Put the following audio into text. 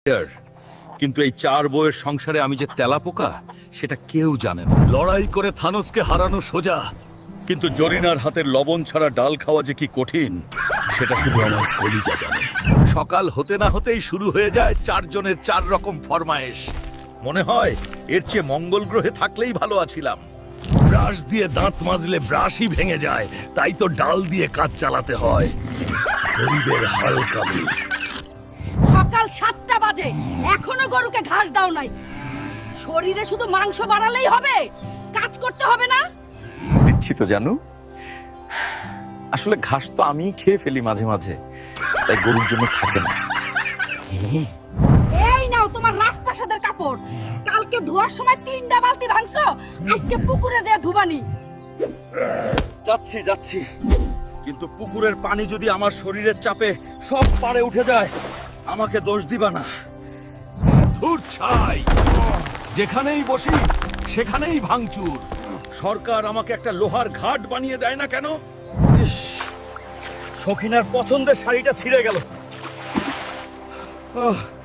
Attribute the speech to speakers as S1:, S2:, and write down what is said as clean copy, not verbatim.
S1: কিন্তু এই 4 বউয়ের সংসারে আমি যে তেলাপোকা সেটা কেউ জানে না।
S2: লড়াই করে থানোসকে হারানো সোজা,
S1: কিন্তু জরিনার হাতের লবণ ছাড়া ডাল খাওয়া যে কি কঠিন সেটা শুধু আমার কলিজা জানে।
S3: সকাল হতে না হতেই শুরু হয়ে যায় 4 জনের 4 রকম ফরমায়েশ। মনে হয় এর চেয়ে মঙ্গল গ্রহে থাকলেই ভালো আছিলাম।
S2: ব্রাশ দিয়ে দাঁত মাজলে ব্রাশই ভেঙে যায়, তাই তো ডাল দিয়ে কাজ চালাতে হয়। গরিবের হাল কামি।
S4: সকাল 7টা বাজে এখনো গরুকে ঘাস দাও নাই। শরীরে শুধু মাংস বাড়ালেই হবে, কাজ করতে হবে না?
S5: দিচ্ছি তো জানু, আসলে ঘাস তো আমিই খেয়ে ফেলি মাঝে মাঝে, তাই গরুর জন্য থাকে না।
S4: এই নাও তোমার রাজপ্রাসাদের কাপড়। কালকে ধোয়ার সময় 3টা বালতি ভাঙছো, আজকে পুকুরে যেয়ে ধুবানি।
S1: যাচ্ছি যাচ্ছি, কিন্তু পুকুরের পানি যদি আমার শরীরের চাপে সব পারে উঠে যায় আমাকে দোষ দিবা না।
S3: ধুর ছাই, যেখানেই বসি সেখানেই ভাঙচুর। সরকার আমাকে একটা লোহার ঘাট বানিয়ে দেয় না কেন?
S1: সখিনার পছন্দের শাড়িটা ছিঁড়ে গেল।